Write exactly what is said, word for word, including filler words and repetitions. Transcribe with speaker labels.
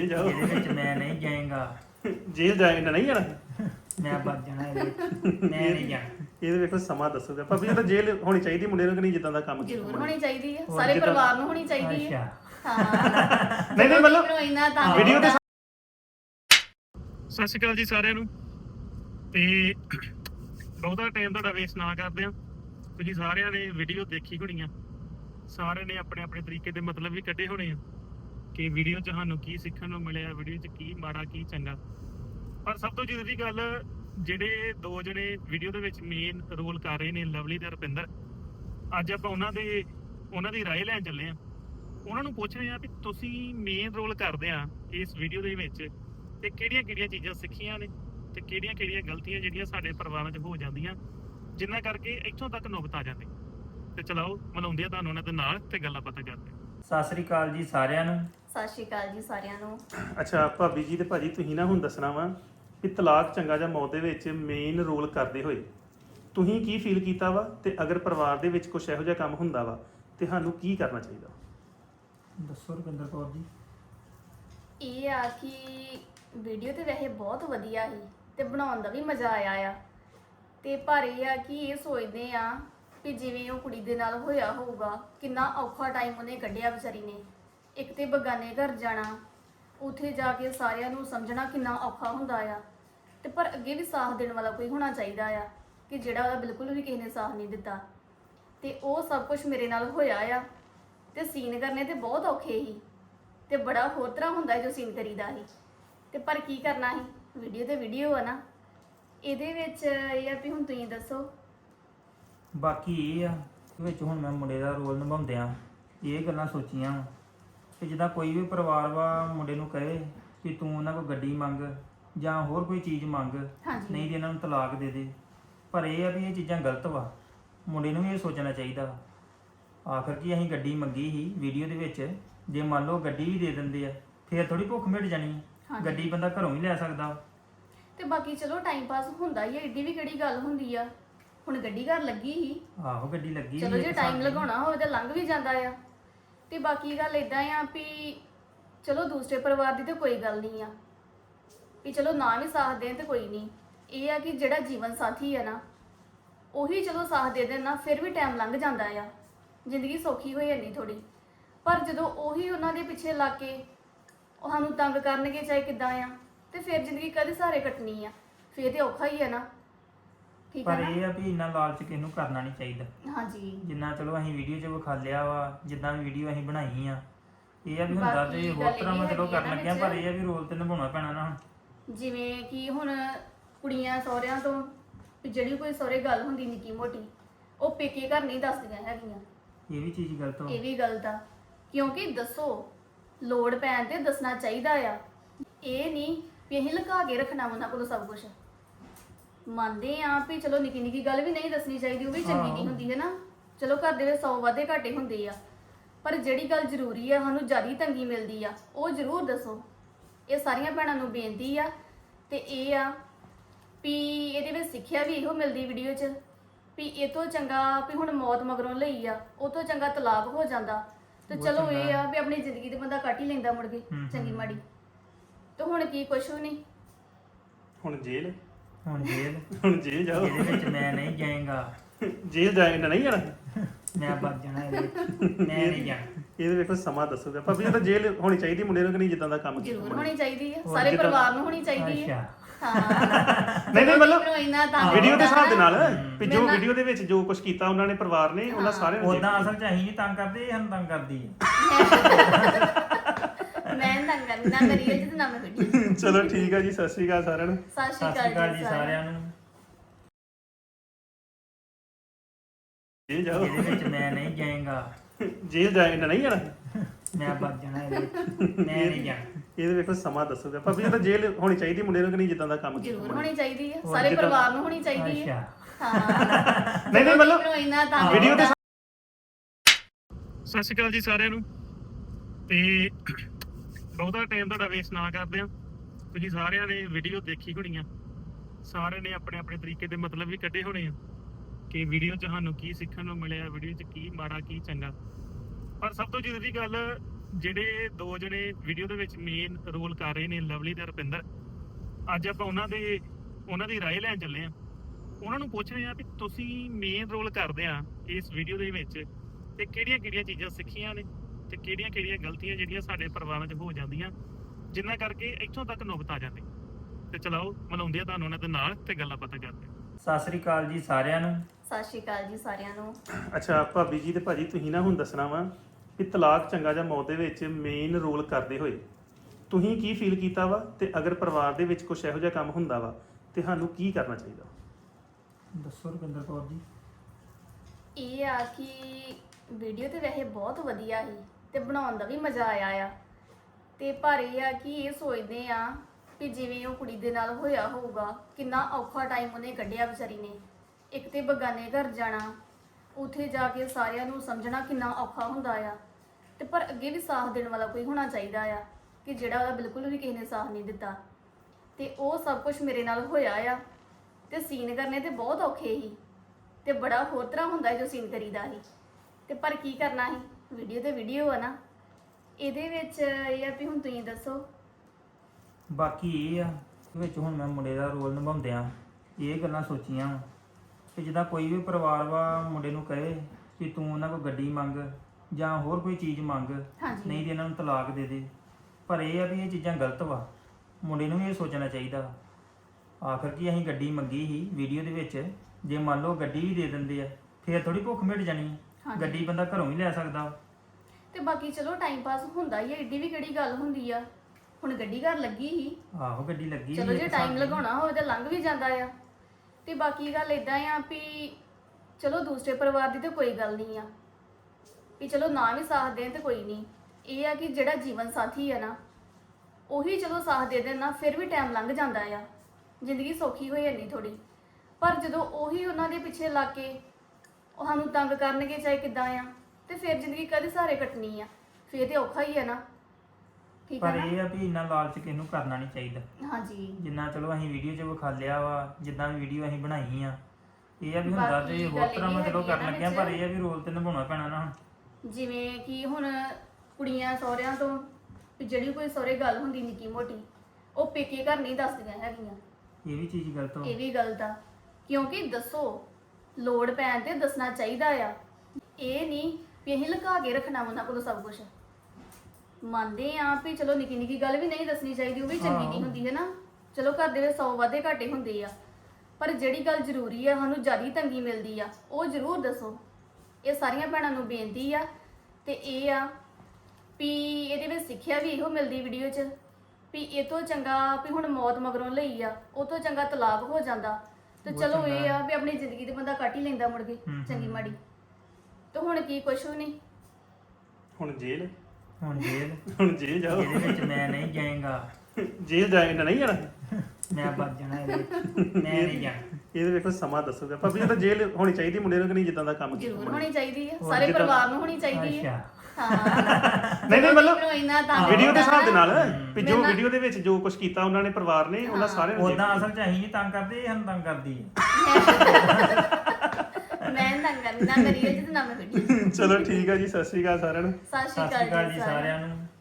Speaker 1: ਜੇਲ੍ਹ ਜਾਓ
Speaker 2: ਜਿਹਦੇ ਵਿੱਚ ਮੈਂ ਨਹੀਂ ਜਾਏਗਾ।
Speaker 1: ਜੇਲ੍ਹ ਜਾਏਗਾ ਨਹੀਂ ਜਾਣਾ
Speaker 2: ਮੈਂ ਬਚ ਜਾਣਾ ਇਹਦੇ ਵਿੱਚ, ਮੈਂ ਨਹੀਂ ਜਾਣਾ।
Speaker 1: ਇਹਦੇ ਵੇਖੋ ਸਮਾਂ ਦੱਸੂਗਾ ਭਾਬੀ ਇਹ ਤਾਂ ਜੇਲ੍ਹ ਹੋਣੀ ਚਾਹੀਦੀ ਮੁੰਡੇ ਨੂੰ ਕਿ ਨਹੀਂ ਜਿੱਦਾਂ ਦਾ ਕੰਮ ਕੀਤਾ
Speaker 3: ਜ਼ਰੂਰ ਹੋਣੀ ਚਾਹੀਦੀ ਹੈ,
Speaker 2: ਹੋਰ
Speaker 3: ਸਾਰੇ
Speaker 1: ਜਿੱਦਾਂ-
Speaker 3: ਪਰਿਵਾਰ ਨੂੰ ਹੋਣੀ ਚਾਹੀਦੀ ਹੈ।
Speaker 2: ਅੱਛਾ
Speaker 3: ਹਾਂ
Speaker 1: ਨਹੀਂ ਨਹੀਂ ਮਤਲਬ
Speaker 3: ਮੈਨੂੰ ਇੰਨਾ ਤਾਂ
Speaker 1: ਵੀਡੀਓ ਤੇ ਸਤਿ ਸ਼੍ਰੀ ਅਕਾਲ ਜੀ ਸਾਰਿਆਂ ਨੂੰ ਤੇ ਬਹੁਤਾ ਟਾਈਮ ਤੁਹਾਡਾ ਵੇਸਟ ਨਾ ਕਰਦੇ ਆ। ਤੁਸੀਂ ਸਾਰਿਆਂ ਨੇ ਵੀਡੀਓ ਦੇਖੀ ਹੋਣੀਆਂ, ਸਾਰਿਆਂ ਨੇ ਆਪਣੇ ਆਪਣੇ ਤਰੀਕੇ ਦੇ ਮਤਲਬ ਵੀ ਕੱਢੇ ਹੋਣੇ ਆ ਕਿ ਵੀਡੀਓ 'ਚ ਸਾਨੂੰ ਕੀ ਸਿੱਖਣ ਨੂੰ ਮਿਲਿਆ, ਵੀਡੀਓ 'ਚ ਕੀ ਮਾੜਾ ਕੀ ਚੰਗਾ। ਪਰ ਸਭ ਤੋਂ ਜ਼ਰੂਰੀ ਗੱਲ, ਜਿਹੜੇ ਦੋ ਜਣੇ ਵੀਡੀਓ ਦੇ ਵਿੱਚ ਮੇਨ ਰੋਲ ਕਰ ਰਹੇ ਨੇ, ਲਵਲੀ ਤੇ ਰੁਪਿੰਦਰ, ਅੱਜ ਆਪਾਂ ਉਹਨਾਂ ਦੇ ਉਹਨਾਂ ਦੀ ਰਾਏ ਲੈਣ ਚੱਲੇ ਆ। ਉਹਨਾਂ ਨੂੰ ਪੁੱਛ ਰਹੇ ਆ ਕਿ ਤੁਸੀਂ ਮੇਨ ਰੋਲ ਕਰਦੇ ਆ ਇਸ ਵੀਡੀਓ ਦੇ ਵਿੱਚ ਤੇ ਕਿਹੜੀਆਂ-ਕਿਹੜੀਆਂ ਚੀਜ਼ਾਂ ਸਿੱਖੀਆਂ ਨੇ ਤੇ ਕਿਹੜੀਆਂ-ਕਿਹੜੀਆਂ ਗਲਤੀਆਂ ਜਿਹੜੀਆਂ ਸਾਡੇ ਪਰਿਵਾਰਾਂ 'ਚ ਹੋ ਜਾਂਦੀਆਂ ਜਿਨ੍ਹਾਂ ਕਰਕੇ ਇੱਥੋਂ ਤੱਕ ਨੁਕਤ ਆ ਜਾਂਦੀ। ਤੇ ਚਲਾਓ ਮਿਲਾਉਂਦੇ ਆ ਤੁਹਾਨੂੰ ਉਹਨਾਂ ਦੇ ਨਾਲ ਤੇ ਗੱਲਾਂ ਪਤਾ ਕਰਦੇ ਆ।
Speaker 2: ਸਤਿ ਸ੍ਰੀ ਅਕਾਲ ਜੀ ਸਾਰਿਆਂ ਨੂੰ।
Speaker 3: ਸਤਿ ਸ਼੍ਰੀ ਅਕਾਲ ਜੀ ਸਾਰਿਆਂ ਨੂੰ।
Speaker 1: ਅੱਛਾ ਭਾਬੀ ਜੀ ਤੇ ਭਾਜੀ ਤੁਸੀਂ ਨਾ ਹੁਣ ਦੱਸਣਾ ਵਾ ਕਿ ਤਲਾਕ ਚੰਗਾ ਜਾਂ ਮੌਤ ਦੇ ਵਿੱਚ ਮੇਨ ਰੋਲ ਕਰਦੇ ਹੋਏ ਤੁਸੀਂ ਕੀ ਫੀਲ ਕੀਤਾ ਵਾ ਤੇ ਅਗਰ ਪਰਿਵਾਰ ਦੇ ਵਿੱਚ ਕੁਝ ਇਹੋ ਜਿਹਾ ਕੰਮ ਹੁੰਦਾ ਵਾ ਤੇ ਸਾਨੂੰ ਕੀ ਕਰਨਾ ਚਾਹੀਦਾ?
Speaker 2: ਦੱਸੋ ਰੁਪਿੰਦਰ ਕੌਰ ਜੀ।
Speaker 3: ਇਹ ਆ ਕਿ ਵੀਡੀਓ ਤੇ ਵੈਸੇ ਬਹੁਤ ਵਧੀਆ ਸੀ ਤੇ ਬਣਾਉਣ ਦਾ ਵੀ ਮਜ਼ਾ ਆਇਆ ਆ, ਤੇ ਪਰ ਇਹ ਆ ਕਿ ਇਹ ਸੋਚਦੇ ਆ ਕਿ ਜਿਵੇਂ ਉਹ ਕੁੜੀ ਦੇ ਨਾਲ ਹੋਇਆ ਹੋਊਗਾ, ਕਿੰਨਾ ਔਖਾ ਟਾਈਮ ਉਹਨੇ ਕੱਢਿਆ ਵਿਚਾਰੀ ਨੇ। ਇੱਕ ਤੇ ਬਗਾਨੇ ਘਰ ਜਾਣਾ, ਉੱਥੇ ਜਾ ਕੇ ਸਾਰਿਆਂ ਨੂੰ ਸਮਝਣਾ ਕਿੰਨਾ ਔਖਾ ਹੁੰਦਾ ਆ, ਤੇ ਪਰ ਅੱਗੇ ਵੀ ਸਾਥ ਦੇਣ ਵਾਲਾ ਕੋਈ ਹੋਣਾ ਚਾਹੀਦਾ ਆ ਕਿ ਜਿਹੜਾ ਉਹਦਾ ਬਿਲਕੁਲ ਵੀ ਕਿਸੇ ਨੇ ਸਾਥ ਨਹੀਂ ਦਿੱਤਾ। ਤੇ ਉਹ ਸਭ ਕੁਝ ਮੇਰੇ ਨਾਲ ਹੋਇਆ ਆ, ਤੇ ਸੀਨ ਕਰਨੇ ਤੇ ਬਹੁਤ ਔਖੇ ਸੀ ਤੇ ਬੜਾ ਹੋਰ ਤਰ੍ਹਾਂ ਹੁੰਦਾ ਜੋ ਸੀਨ ਕਰੀਦਾ ਸੀ, ਤੇ ਪਰ ਕੀ ਕਰਨਾ ਸੀ, ਵੀਡੀਓ ਤੇ ਵੀਡੀਓ ਆ ਨਾ। ਇਹਦੇ ਵਿੱਚ ਇਹ ਆ ਵੀ ਹੁਣ ਤੁਸੀਂ ਦੱਸੋ।
Speaker 2: ਬਾਕੀ ਇਹ ਆ ਵਿੱਚ ਹੁਣ ਮੈਂ ਮੁੰਡੇ ਦਾ ਰੋਲ ਨਿਭਾਉਂਦਿਆਂ ਇਹ ਗੱਲਾਂ ਸੋਚੀਆਂ ਵਾਂ ਕਿ ਜਿੱਦਾਂ ਕੋਈ ਵੀ ਪਰਿਵਾਰ ਵਾ ਮੁੰਡੇ ਨੂੰ ਕਹੇ ਕਿ ਤੂੰ ਉਹਨਾਂ ਕੋਲ ਗੱਡੀ ਮੰਗ ਜਾਂ ਹੋਰ ਕੋਈ ਚੀਜ਼ ਮੰਗ,
Speaker 3: ਹਾਂਜੀ।
Speaker 2: ਨਹੀਂ ਤੇ ਇਹਨਾਂ ਨੂੰ ਤਲਾਕ ਦੇ ਦੇ। ਪਰ ਇਹ ਆ ਵੀ ਇਹ ਚੀਜ਼ਾਂ ਗਲਤ ਵਾ, ਮੁੰਡੇ ਨੂੰ ਵੀ ਇਹ ਸੋਚਣਾ ਚਾਹੀਦਾ ਵਾ। ਆਖਰ ਕੀ ਅਸੀਂ ਗੱਡੀ ਮੰਗੀ ਸੀ ਵੀਡੀਓ ਦੇ ਵਿੱਚ, ਜੇ ਮੰਨ ਲਓ ਗੱਡੀ ਵੀ ਦੇ ਦਿੰਦੇ ਆ ਫੇਰ ਥੋੜੀ ਭੁੱਖ ਮਿਟ ਜਾਣੀ ਆ।
Speaker 3: ਹਾਂਜੀ।
Speaker 2: ਗੱਡੀ ਬੰਦਾ ਘਰੋਂ ਵੀ ਲੈ ਸਕਦਾ ਵਾ।
Speaker 3: ਤੇ ਬਾਕੀ ਚਲੋ ਟਾਈਮ ਪਾਸ ਹੁੰਦਾ ਹੀ ਆ, ਏਡੀ ਵੀ ਕਿਹੜੀ ਗੱਲ ਹੁੰਦੀ ਆ। ਹੁਣ ਗੱਡੀ ਘਰ ਲੱਗੀ ਹੀ,
Speaker 2: ਆਹੋ ਗੱਡੀ ਲੱਗੀ
Speaker 3: ਚਲੋ
Speaker 2: ਸੀ
Speaker 3: ਜੇ
Speaker 2: ਇੱਕ
Speaker 3: ਟਾਈਮ
Speaker 2: ਸਾਲ ਦੀ।
Speaker 3: ਲਗਾਉਣਾ ਹੋਵੇ ਤਾਂ ਲੰਘ ਵੀ ਜਾਂਦਾ ਆ। ਤੇ ਬਾਕੀ ਗੱਲ ਇਦਾਂ ਆ ਵੀ ਚਲੋ ਦੂਸਰੇ ਪਰਿਵਾਰ ਦੀ ਤਾਂ ਕੋਈ ਗੱਲ ਨਹੀਂ ਆ ਵੀ ਚਲੋ ਨਾ ਵੀ ਸਾਥ ਦੇਣ ਤੇ ਕੋਈ ਨਹੀਂ। ਇਹ ਆ ਕਿ ਜਿਹੜਾ ਜੀਵਨ ਸਾਥੀ ਆ ਨਾ, ਉਹੀ ਚਲੋ ਸਾਥ ਦੇ ਦੇਣ ਨਾ, ਫਿਰ ਵੀ ਟਾਈਮ ਲੰਘ ਜਾਂਦਾ ਆ, ਜ਼ਿੰਦਗੀ ਸੌਖੀ ਹੋ ਜਾਂਦੀ ਥੋੜੀ। ਪਰ ਜਦੋਂ ਉਹੀ ਉਹਨਾਂ ਦੇ ਪਿੱਛੇ ਲੱਗ ਕੇ ਉਹ ਸਾਨੂੰ ਤੰਗ ਕਰਨਗੇ ਚਾਹੇ ਕਿੱਦਾਂ ਆ, ਤੇ ਫਿਰ ਜ਼ਿੰਦਗੀ ਕਦੇ ਸਾਰੇ ਕੱਟਣੀ ਆ, ਫਿਰ ਤੇ ਔਖਾ ਹੀ ਆ ਨਾ। ਠੀਕ
Speaker 2: ਪਰ
Speaker 3: ਹੈ
Speaker 2: ਇਹ ਆ ਵੀ ਇੰਨਾ ਲਾਲਚ ਕਿਸੇ ਨੂੰ ਕਰਨਾ ਨਹੀਂ ਚਾਹੀਦਾ।
Speaker 3: ਨਾ। ਹਾਂਜੀ।
Speaker 2: ਜਿੰਨਾ ਚਲੋ ਅਸੀਂ ਵੀਡੀਓ 'ਚ ਵਿਖਾ ਲਿਆ ਵਾ, ਜਿੱਦਾਂ ਵੀ ਵੀਡੀਓ ਅਸੀਂ ਬਣਾਈ ਆ, ਇਹ ਆ ਵੀ ਹੁੰਦਾ ਤੇ
Speaker 3: ਬਾਕੀ
Speaker 2: ਹੋਰ
Speaker 3: ਗੱਲ
Speaker 2: ਤਰ੍ਹਾਂ ਮੈਂ
Speaker 3: ਇਹ
Speaker 2: ਚਲੋ
Speaker 3: ਹੈਗੀ ਆ
Speaker 2: ਕਰਨ
Speaker 3: ਨਾ
Speaker 2: ਲੱਗਿਆ, ਪਰ
Speaker 3: ਵਿੱਚ-
Speaker 2: ਇਹ ਆ ਵੀ ਰੋਲ ਤੇ ਨਿਭਾਉਣਾ ਪੈਣਾ ਨਾ ਹੁਣ।
Speaker 3: ਜਿਵੇਂ ਕਿ ਹੁਣ ਕੁੜੀਆਂ ਸਹੁਰਿਆਂ ਤੋਂ ਵੀ ਜਿਹੜੀ ਕੋਈ ਸਹੁਰੇ ਗੱਲ ਹੁੰਦੀ ਨਿੱਕੀ ਮੋਟੀ, ਉਹ ਪੇਕੇ ਘਰ ਨਹੀਂ ਦੱਸਦੀਆਂ ਹੈਗੀਆਂ।
Speaker 2: ਇਹ ਵੀ ਚੀਜ਼ ਗਲਤ ਵਾ।
Speaker 3: ਇਹ ਵੀ ਗਲਤ ਆ, ਕਿਉਂਕਿ ਦੱਸੋ ਲੋੜ ਪੈਣ ਤੇ ਦੱਸਣਾ ਚਾਹੀਦਾ ਆ। ਇਹ ਨਹੀਂ ਵੀ ਅਸੀਂ ਲੁਕਾ ਕੇ ਰੱਖਣਾ ਉਹਨਾਂ ਕੋਲ ਸਭ ਕੁਝ। ਮੰਨਦੇ ਆ ਵੀ ਚਲੋ ਨਿੱਕੀ ਨਿੱਕੀ ਗੱਲ ਵੀ ਨਹੀਂ ਦੱਸਣੀ ਚਾਹੀਦੀ, ਉਹ ਵੀ ਚੰਗੀ ਨਹੀਂ ਹੁੰਦੀ ਹੈ ਨਾ। ਚਲੋ ਘਰ ਦੇ ਵਿੱਚ ਸੌ ਵਾਧੇ ਘਾਟੇ ਹੁੰਦੇ ਆ, ਪਰ ਜਿਹੜੀ ਗੱਲ ਜ਼ਰੂਰੀ ਆ, ਸਾਨੂੰ ਜ਼ਿਆਦਾ ਤੰਗੀ ਮਿਲਦੀ ਆ, ਉਹ ਜ਼ਰੂਰ ਦੱਸੋ। ਇਹ ਸਾਰੀਆਂ ਭੈਣਾਂ ਨੂੰ ਬੇਨਤੀ ਆ। ਤੇ ਇਹ ਆ ਵੀ ਇਹਦੇ ਵਿੱਚ ਸਿੱਖਿਆ ਵੀ ਇਹੋ ਮਿਲਦੀ ਵੀਡੀਓ 'ਚ ਵੀ ਇਹ ਤੋਂ ਚੰਗਾ ਵੀ ਹੁਣ ਮੌਤ ਮਗਰੋਂ ਲਈ ਆ, ਉਹ ਤੋਂ ਚੰਗਾ ਤਲਾਕ ਹੋ ਜਾਂਦਾ। ਤੇ
Speaker 2: ਬਹੁਤ
Speaker 3: ਚਲੋ ਇਹ
Speaker 2: ਚੰਗਾ।
Speaker 3: ਆ ਵੀ ਆਪਣੀ ਜ਼ਿੰਦਗੀ ਤੇ ਬੰਦਾ ਕੱਟ ਹੀ ਲੈਂਦਾ ਮੁੜ ਕੇ
Speaker 2: ਹੂੰ,
Speaker 3: ਚੰਗੀ
Speaker 2: ਹੂੰ।
Speaker 3: ਮਾੜੀ। ਤੇ ਹੁਣ ਕੀ ਕੁਛ ਵੀ ਨਹੀਂ।
Speaker 1: ਹੁਣ ਜੇਲ੍ਹ
Speaker 2: ਹੁਣ ਜੇਲ੍ਹ
Speaker 1: ਹੁਣ ਜੇਲ੍ਹ ਜਾਓ
Speaker 2: ਜਿਹਦੇ ਵਿੱਚ ਮੈਂ ਨਹੀਂ ਜਾਏਗਾ।
Speaker 1: ਜੇਲ੍ਹ ਜਾਏਗਾ ਨਹੀਂ ਜਾਣਾ
Speaker 2: ਮੈਂ ਬਚ ਜਾਣਾ ਇਹਦੇ ਵਿੱਚ, ਮੈਂ ਨਹੀਂ ਜਾਣਾ।
Speaker 1: ਇਹਦੇ ਵੇਖੋ ਸਮਾਂ ਦੱਸੂਗਾ ਭਾਬੀ ਇਹ ਤਾਂ ਜੇਲ੍ਹ ਹੋਣੀ ਚਾਹੀਦੀ ਮੁੰਡੇ ਨੂੰ ਕਿ ਨਹੀਂ ਜਿੱਦਾਂ ਦਾ ਕੰਮ ਕੀਤਾ
Speaker 3: ਜ਼ਰੂਰ
Speaker 1: ਮੁੰਡੇ
Speaker 3: ਹੋਣੀ ਚਾਹੀਦੀ ਹੈ,
Speaker 2: ਹੋਰ
Speaker 3: ਸਾਰੇ
Speaker 1: ਜਿੱਦਾਂ-
Speaker 3: ਪਰਿਵਾਰ ਨੂੰ ਹੋਣੀ ਚਾਹੀਦੀ ਹੈ।
Speaker 2: ਅੱਛਾ
Speaker 3: ਹਾਂ
Speaker 1: ਨਹੀਂ ਨਹੀਂ ਮਤਲਬ
Speaker 3: ਮੈਨੂੰ ਇੰਨਾ ਤਾਂ
Speaker 1: ਵੀਡੀਓ ਦੇ ਹਿਸਾਬ ਦੇ ਨਾਲ
Speaker 2: ਹਮ।
Speaker 1: ਵੀ ਜੋ
Speaker 3: ਮੈਂ ਨਾ-
Speaker 1: ਵੀਡੀਓ ਦੇ ਵਿੱਚ ਜੋ ਕੁਝ ਕੀਤਾ ਉਹਨਾਂ ਨੇ ਪਰਿਵਾਰ ਨੇ, ਉਹਨਾਂ ਸਾਰਿਆਂ ਨੂੰ
Speaker 2: ਉਦਾਂ ਅਸਲ 'ਚ ਅਸੀਂ ਨਹੀਂ ਤੰਗ ਕਰਦੇ, ਇਹ ਸਾਨੂੰ ਤੰਗ ਕਰਦੀ ਹੈ।
Speaker 3: ਮੈਂ ਨਾ ਕਰ ਨਾ ਕਰੀਏ ਜਿੱਦ ਨਾ ਮੈਂ ਵੀਡੀਓ।
Speaker 1: ਚਲੋ ਠੀਕ ਹੈ ਜੀ, ਸਤਿ ਸ਼੍ਰੀ ਅਕਾਲ ਸਾਰਿਆਂ ਨੂੰ।
Speaker 3: ਸਤਿ
Speaker 2: ਸਤਿ ਸ਼੍ਰੀ ਅਕਾਲ ਜੀ ਸਾਰਿਆਂ ਨੂੰ।
Speaker 1: ਜੇਲ੍ਹ ਜਾਓ
Speaker 2: ਜਿਹਦੇ ਵਿੱਚ ਮੈਂ ਨਹੀਂ ਜਾਏਗਾ।
Speaker 1: ਜੇਲ੍ਹ ਜਾਏਗਾ ਨਹੀਂ ਜਾਣਾ
Speaker 2: ਮੈਂ ਬਚ ਜਾਣਾ ਇਹਦੇ ਵਿੱਚ, ਮੈਂ ਨਹੀਂ ਜਾਣਾ।
Speaker 1: ਇਹਦੇ ਵੇਖੋ ਸਮਾਂ ਦੱਸੂਗਾ ਭਾਬੀ ਇਹ ਤਾਂ ਜੇਲ੍ਹ ਹੋਣੀ ਚਾਹੀਦੀ ਮੁੰਡੇ ਨੂੰ ਕਿ ਨਹੀਂ ਜਿੱਦਾਂ ਦਾ ਕੰਮ ਕੀਤਾ
Speaker 3: ਜ਼ਰੂਰ ਹੋਣੀ ਚਾਹੀਦੀ ਹੈ,
Speaker 2: ਹੋਰ
Speaker 3: ਸਾਰੇ
Speaker 1: ਜਿੱਦਾਂ-
Speaker 3: ਪਰਿਵਾਰ ਨੂੰ ਹੋਣੀ ਚਾਹੀਦੀ ਹੈ।
Speaker 2: ਅੱਛਾ
Speaker 3: ਹਾਂ
Speaker 1: ਨਹੀਂ ਨਹੀਂ ਮਤਲਬ
Speaker 3: ਮੈਨੂੰ ਇੰਨਾ ਤਾਂ
Speaker 1: ਵੀਡੀਓ ਤੇ ਸਤਿ ਸ਼੍ਰੀ ਅਕਾਲ ਜੀ ਸਾਰਿਆਂ ਨੂੰ ਤੇ ਬਹੁਤਾ ਟਾਈਮ ਤੁਹਾਡਾ ਵੇਸਟ ਨਾ ਕਰਦੇ ਆ। ਤੁਸੀਂ ਸਾਰਿਆਂ ਨੇ ਵੀਡੀਓ ਦੇਖੀ ਹੋਣੀਆਂ, ਸਾਰਿਆਂ ਨੇ ਆਪਣੇ ਆਪਣੇ ਤਰੀਕੇ ਦੇ ਮਤਲਬ ਵੀ ਕੱਢੇ ਹੋਣੇ ਆ ਕਿ ਵੀਡੀਓ 'ਚ ਸਾਨੂੰ ਕੀ ਸਿੱਖਣ ਨੂੰ ਮਿਲਿਆ, ਵੀਡੀਓ 'ਚ ਕੀ ਮਾੜਾ ਕੀ ਚੰਗਾ। ਪਰ ਸਭ ਤੋਂ ਜ਼ਰੂਰੀ ਗੱਲ, ਜਿਹੜੇ ਦੋ ਜਣੇ ਵੀਡੀਓ ਦੇ ਵਿੱਚ ਮੇਨ ਰੋਲ ਕਰ ਰਹੇ ਨੇ ਲਵਲੀ ਤੇ ਰੁਪਿੰਦਰ, ਅੱਜ ਆਪਾਂ ਉਹਨਾਂ ਦੇ ਉਹਨਾਂ ਦੀ ਰਾਏ ਲੈਣ ਚੱਲੇ ਆ। ਉਹਨਾਂ ਨੂੰ ਪੁੱਛ ਰਹੇ ਆ ਵੀ ਤੁਸੀਂ ਮੇਨ ਰੋਲ ਕਰਦੇ ਆ ਇਸ ਵੀਡੀਓ ਦੇ ਵਿੱਚ ਤੇ ਕਿਹੜੀਆਂ-ਕਿਹੜੀਆਂ ਚੀਜ਼ਾਂ ਸਿੱਖੀਆਂ ਨੇ ਤੇ ਕਿਹੜੀਆਂ-ਕਿਹੜੀਆਂ ਗਲਤੀਆਂ ਜਿਹੜੀਆਂ ਸਾਡੇ ਪਰਿਵਾਰਾਂ 'ਚ ਹੋ ਜਾਂਦੀਆਂ ਜਿੰਨਾ ਕਰਕੇ ਇੱਥੋਂ ਤੱਕ ਨੌਬਤ ਆ ਜਾਂਦੀ। ਤੇ ਚਲਾਓ ਮਿਲਾਉਂਦੇ ਆ ਤੁਹਾਨੂੰ ਉਹਨਾਂ ਦੇ ਨਾਲ ਤੇ ਗੱਲਾਂ ਪਤਾ ਕਰਦੇ ਆ।
Speaker 2: ਸਤਿ ਸ੍ਰੀ ਅਕਾਲ ਜੀ ਸਾਰਿਆਂ ਨੂੰ।
Speaker 3: ਸਤਿ ਸ਼੍ਰੀ ਅਕਾਲ ਜੀ ਸਾਰਿਆਂ ਨੂੰ।
Speaker 1: ਅੱਛਾ ਭਾਬੀ ਜੀ ਤੇ ਭਾਜੀ ਤੁਸੀਂ ਨਾ ਹੁਣ ਦੱਸਣਾ ਵਾ ਕਿ ਤਲਾਕ ਚੰਗਾ ਜਾਂ ਮੌਤ ਦੇ ਵਿੱਚ ਮੇਨ ਰੋਲ ਕਰਦੇ ਹੋਏ ਤੁਸੀਂ ਕੀ ਫੀਲ ਕੀਤਾ ਵਾ ਤੇ ਅਗਰ ਪਰਿਵਾਰ ਦੇ ਵਿੱਚ ਕੁਝ ਇਹੋ ਜਿਹਾ ਕੰਮ ਹੁੰਦਾ ਵਾ ਤੇ ਸਾਨੂੰ ਕੀ ਕਰਨਾ ਚਾਹੀਦਾ?
Speaker 2: ਦੱਸੋ ਰੁਪਿੰਦਰ ਕੌਰ ਜੀ।
Speaker 3: ਇਹ ਆ ਕਿ ਵੀਡੀਓ ਤੇ ਵੈਸੇ ਬਹੁਤ ਵਧੀਆ ਸੀ ਤੇ ਬਣਾਉਣ ਦਾ ਵੀ ਮਜ਼ਾ ਆਇਆ ਆ, ਤੇ ਪਰ ਇਹ ਆ ਕਿ ਇਹ ਸੋਚਦੇ ਆ ਕਿ ਜਿਵੇਂ ਉਹ ਕੁੜੀ ਦੇ ਨਾਲ ਹੋਇਆ ਹੋਊਗਾ, ਕਿੰਨਾ ਔਖਾ ਟਾਈਮ ਉਹਨੇ ਕੱਢਿਆ ਵਿਚਾਰੀ ਨੇ। ਇੱਕ ਤੇ ਬਗਾਨੇ ਘਰ ਜਾਣਾ, ਉੱਥੇ ਜਾ ਕੇ ਸਾਰਿਆਂ ਨੂੰ ਸਮਝਣਾ ਕਿੰਨਾ ਔਖਾ ਹੁੰਦਾ ਆ, ਤੇ ਪਰ ਅੱਗੇ ਵੀ ਸਾਥ ਦੇਣ ਵਾਲਾ ਕੋਈ ਹੋਣਾ ਚਾਹੀਦਾ ਆ ਕਿ ਜਿਹੜਾ ਉਹਦਾ ਬਿਲਕੁਲ ਵੀ ਕਿਸੇ ਨੇ ਸਾਥ ਨਹੀਂ ਦਿੱਤਾ। ਤੇ ਉਹ ਸਭ ਕੁਝ ਮੇਰੇ ਨਾਲ ਹੋਇਆ ਆ, ਤੇ ਸੀਨ ਕਰਨੇ ਤੇ ਬਹੁਤ ਔਖੇ ਸੀ ਤੇ ਬੜਾ ਹੋਰ ਤਰ੍ਹਾਂ ਹੁੰਦਾ ਹੈ ਜੋ ਸੀਨ ਕਰੀਦਾ ਸੀ, ਤੇ ਪਰ ਕੀ ਕਰਨਾ ਸੀ, ਵੀਡੀਓ ਤੇ ਵੀਡੀਓ ਆ ਨਾ। ਇਹਦੇ ਵਿੱਚ ਇਹ ਆ ਵੀ ਹੁਣ ਤੁਸੀਂ ਦੱਸੋ।
Speaker 2: ਬਾਕੀ ਇਹ ਆ ਕਿ ਵਿੱਚ ਹੁਣ ਮੈਂ ਮੁੰਡੇ ਦਾ ਰੋਲ ਨਿਭਾਉਂਦਿਆਂ ਇਹ ਗੱਲਾਂ ਸੋਚੀਆਂ ਵਾਂ ਕਿ ਜਿੱਦਾਂ ਕੋਈ ਵੀ ਪਰਿਵਾਰ ਵਾ ਮੁੰਡੇ ਨੂੰ ਕਹੇ ਕਿ ਤੂੰ ਉਹਨਾਂ ਕੋਲ ਗੱਡੀ ਮੰਗ ਜਾਂ ਹੋਰ ਕੋਈ ਚੀਜ਼ ਮੰਗ,
Speaker 3: ਹਾਂਜੀ।
Speaker 2: ਨਹੀਂ ਤੇ ਇਹਨਾਂ ਨੂੰ ਤਲਾਕ ਦੇ ਦੇ। ਪਰ ਇਹ ਆ ਵੀ ਇਹ ਚੀਜ਼ਾਂ ਗਲਤ ਵਾ, ਮੁੰਡੇ ਨੂੰ ਵੀ ਇਹ ਸੋਚਣਾ ਚਾਹੀਦਾ ਵਾ। ਆਖਰ ਕੀ ਅਸੀਂ ਗੱਡੀ ਮੰਗੀ ਸੀ ਵੀਡੀਓ ਦੇ ਵਿੱਚ, ਜੇ ਮੰਨ ਲਓ ਗੱਡੀ ਵੀ ਦੇ ਦਿੰਦੇ ਆ ਫੇਰ ਥੋੜੀ ਭੁੱਖ ਮਿਟ ਜਾਣੀ ਹੈ।
Speaker 3: ਹਾਂਜੀ।
Speaker 2: ਗੱਡੀ ਬੰਦਾ ਘਰੋਂ ਹੀ ਲੈ ਸਕਦਾ।
Speaker 3: ਤੇ ਬਾਕੀ ਚਲੋ ਟਾਈਮ ਪਾਸ ਹੁੰਦਾ ਹੀ ਹੈ, ਏਡੀ ਵੀ ਕਿਹੜੀ ਗੱਲ ਹੁੰਦੀ ਆ। ਹੁਣ ਗੱਡੀ ਘਰ ਲੱਗੀ ਹੀ,
Speaker 2: ਆਹੋ ਗੱਡੀ ਲੱਗੀ
Speaker 3: ਚਲੋ
Speaker 2: ਸੀ
Speaker 3: ਜੇ
Speaker 2: ਇੱਕ
Speaker 3: ਟਾਈਮ
Speaker 2: ਸਾਲ ਦੀ।
Speaker 3: ਲਗਾਉਣਾ ਹੋਵੇ ਤਾਂ ਲੰਘ ਵੀ ਜਾਂਦਾ ਆ। ਤੇ ਬਾਕੀ ਗੱਲ ਇਦਾਂ ਆ ਵੀ ਚਲੋ ਦੂਸਰੇ ਪਰਿਵਾਰ ਦੀ ਤਾਂ ਕੋਈ ਗੱਲ ਨਹੀਂ ਆ ਵੀ ਚਲੋ ਨਾ ਵੀ ਸਾਥ ਦੇਣ ਤੇ ਕੋਈ ਨਹੀਂ। ਇਹ ਆ ਕਿ ਜਿਹੜਾ ਜੀਵਨ ਸਾਥੀ ਆ ਨਾ, ਉਹੀ ਚਲੋ ਸਾਥ ਦੇ ਦੇਣ ਨਾ, ਫਿਰ ਵੀ ਟਾਈਮ ਲੰਘ ਜਾਂਦਾ ਆ, ਜ਼ਿੰਦਗੀ ਸੌਖੀ ਹੋ ਜਾਂਦੀ ਥੋੜੀ। ਪਰ ਜਦੋਂ ਉਹੀ ਉਹਨਾਂ ਦੇ ਪਿੱਛੇ ਲੱਗ ਕੇ ਉਹ ਸਾਨੂੰ ਤੰਗ ਕਰਨਗੇ ਚਾਹੇ ਕਿੱਦਾਂ ਆ, ਤੇ ਫਿਰ ਜ਼ਿੰਦਗੀ ਕਦੇ ਸਾਰੇ ਕੱਟਣੀ ਆ, ਫਿਰ ਤੇ ਔਖਾ ਹੀ ਆ ਨਾ। ਠੀਕ
Speaker 2: ਪਰ
Speaker 3: ਹੈ ਨਾ?
Speaker 2: ਇਹ ਆ ਵੀ ਇੰਨਾ ਲਾਲਚ ਕਿਸੇ ਨੂੰ ਕਰਨਾ ਨਹੀਂ ਚਾਹੀਦਾ।
Speaker 3: ਹਾਂਜੀ।
Speaker 2: ਜਿੰਨਾ ਚਲੋ ਅਸੀਂ ਵੀਡੀਓ 'ਚ ਵਿਖਾ ਲਿਆ ਵਾ, ਜਿੱਦਾਂ ਵੀ ਵੀਡੀਓ ਅਸੀਂ ਬਣਾਈ ਆ, ਇਹ ਆ ਵੀ ਹੁੰਦਾ
Speaker 3: ਬਾਕੀ
Speaker 2: ਤੇ ਹੋਰ
Speaker 3: ਗੱਲ
Speaker 2: ਤਰ੍ਹਾਂ ਮੈਂ
Speaker 3: ਇਹ
Speaker 2: ਚਲੋ
Speaker 3: ਹੈਗੀ ਆ
Speaker 2: ਕਰਨ
Speaker 3: ਨਾ
Speaker 2: ਲੱਗਿਆ,
Speaker 3: ਵਿੱਚ।
Speaker 2: ਪਰ ਇਹ ਆ ਵੀ ਰੋਲ ਤੇ ਨਿਭਾਉਣਾ ਪੈਣਾ ਨਾ।
Speaker 3: ਜਿਵੇਂ ਕਿ ਹੁਣ ਕੁੜੀਆਂ ਸਹੁਰਿਆਂ ਤੋਂ ਵੀ ਜਿਹੜੀ ਕੋਈ ਸਹੁਰੇ ਗੱਲ ਹੁੰਦੀ ਨਿੱਕੀ ਮੋਟੀ, ਉਹ ਪੇਕੇ ਘਰ ਨਹੀਂ ਦੱਸਦੀਆਂ ਹੈਗੀਆਂ।
Speaker 2: ਇਹ ਵੀ ਚੀਜ਼ ਗਲਤ ਵਾ।
Speaker 3: ਇਹ ਵੀ ਗਲਤ ਆ, ਕਿਉਂਕਿ ਦੱਸੋ ਲੋੜ ਪੈਣ ਤੇ ਦੱਸਣਾ ਚਾਹੀਦਾ ਆ। ਇਹ ਨਹੀਂ ਵੀ ਅਸੀਂ ਲੁਕਾ ਕੇ ਰੱਖਣਾ ਉਹਨਾਂ ਕੋਲ ਸਭ ਕੁਝ। ਮੰਨਦੇ ਆ ਵੀ ਚਲੋ ਨਿੱਕੀ ਨਿੱਕੀ ਗੱਲ ਵੀ ਨਹੀਂ ਦੱਸਣੀ ਚਾਹੀਦੀ, ਉਹ ਵੀ ਚੰਗੀ ਨਹੀਂ ਹੁੰਦੀ ਹੈ ਨਾ। ਚਲੋ ਘਰ ਦੇ ਵਿੱਚ ਸੌ ਵਾਧੇ ਘਾਟੇ ਹੁੰਦੇ ਆ, ਪਰ ਜਿਹੜੀ ਗੱਲ ਜ਼ਰੂਰੀ ਆ, ਸਾਨੂੰ ਜ਼ਿਆਦਾ ਤੰਗੀ ਮਿਲਦੀ ਆ, ਉਹ ਜ਼ਰੂਰ ਦੱਸੋ। ਇਹ ਸਾਰੀਆਂ ਭੈਣਾਂ ਨੂੰ ਬੇਨਤੀ ਆ। ਤੇ ਇਹ ਆ ਵੀ ਇਹਦੇ ਵਿੱਚ ਸਿੱਖਿਆ ਵੀ ਇਹੋ ਮਿਲਦੀ ਵੀਡੀਓ 'ਚ ਵੀ ਇਹ ਤੋਂ ਚੰਗਾ ਵੀ ਹੁਣ ਮੌਤ ਮਗਰੋਂ ਲਈ ਆ, ਉਹ ਤੋਂ ਚੰਗਾ ਤਲਾਕ ਹੋ ਜਾਂਦਾ। ਤੇ
Speaker 2: ਉਹ
Speaker 3: ਚਲੋ ਇਹ
Speaker 2: ਚੰਗਾ।
Speaker 3: ਆ ਵੀ ਆਪਣੀ ਜ਼ਿੰਦਗੀ ਤੇ ਬੰਦਾ ਕੱਟ ਹੀ ਲੈਂਦਾ ਮੁੜ ਕੇ,
Speaker 2: ਹੂੰ,
Speaker 3: ਚੰਗੀ
Speaker 2: ਹੂੰ।
Speaker 3: ਮਾੜੀ। ਤੇ ਹੁਣ ਕੀ ਕੁਛ ਵੀ ਨਹੀਂ।
Speaker 1: ਹੁਣ ਜੇਲ੍ਹ
Speaker 2: ਹੁਣ ਜੇਲ੍ਹ
Speaker 1: ਹੁਣ ਜੇਲ੍ਹ ਜਾਓ।
Speaker 2: ਇਹਦੇ ਵਿੱਚ ਮੈਂ ਨਹੀਂ ਜਾਏਗਾ,
Speaker 1: ਜੇਲ੍ਹ ਜਾਏਗਾ ਨਹੀਂ ਜਾਣਾ?
Speaker 2: ਮੈਂ ਬਚ ਜਾਣਾ ਇਹਦੇ ਵਿੱਚ, ਮੈਂ ਨਹੀਂ ਜਾਣਾ।
Speaker 1: ਇਹਦੇ ਵੇਖੋ ਸਮਾਂ ਦੱਸੂਗਾ। ਭਾਬੀ ਜੀ ਤਾਂ ਜੇਲ੍ਹ ਹੋਣੀ ਚਾਹੀਦੀ ਮੁੰਡੇ ਨੂੰ ਕਿ ਨਹੀਂ ਜਿੱਦਾਂ ਦਾ ਕੰਮ ਕੀਤਾ
Speaker 3: ਜ਼ਰੂਰ
Speaker 1: ਮੁੰਡੇ ਨੇ?
Speaker 3: ਹੋਣੀ ਚਾਹੀਦੀ ਹੈ,
Speaker 2: ਹੋਰ
Speaker 3: ਸਾਰੇ
Speaker 1: ਜਿੱਦਾਂ-
Speaker 3: ਪਰਿਵਾਰ ਨੂੰ ਹੋਣੀ ਚਾਹੀਦੀ ਹੈ।
Speaker 2: ਅੱਛਾ।
Speaker 3: ਹਾਂ
Speaker 1: ਨਹੀਂ ਨਹੀਂ ਮਤਲਬ
Speaker 3: ਮੈਨੂੰ ਇੰਨਾ ਤੰਗ
Speaker 1: ਵੀਡੀਓ ਦੇ ਹਿਸਾਬ ਦੇ ਨਾਲ
Speaker 2: ਹਮ।
Speaker 1: ਵੀ ਜੋ
Speaker 3: ਮੈਂ ਨਾ-
Speaker 1: ਵੀਡੀਓ ਦੇ ਵਿੱਚ ਜੋ ਕੁਝ ਕੀਤਾ ਉਹਨਾਂ ਨੇ ਪਰਿਵਾਰ ਨੇ, ਉਹਨਾਂ ਸਾਰਿਆਂ ਨੂੰ
Speaker 2: ਉਦਾਂ ਅਸਲ 'ਚ ਅਸੀਂ ਵੀ ਤੰਗ ਕਰਦੇ, ਇਹ ਸਾਨੂੰ ਤੰਗ ਕਰਦੀ ਹੈ।
Speaker 3: ਮੈਂ ਤੰਗ ਕਰਨਾ, ਨਾ ਮੇਰੀ ਇਹ ਤੇ ਨਾ ਮੈਂ ਵੀਡੀਓ।
Speaker 1: ਚਲੋ ਠੀਕ ਆ ਜੀ, ਸਤਿ ਸ਼੍ਰੀ ਅਕਾਲ ਸਾਰਿਆਂ ਨੂੰ।
Speaker 3: ਸਤਿ
Speaker 2: ਸਤਿ ਸ਼੍ਰੀ ਅਕਾਲ ਜੀ
Speaker 3: ਸਾਰਿਆਂ ਨੂੰ।
Speaker 2: ਸਾਰਿਆਂ ਨੂੰ।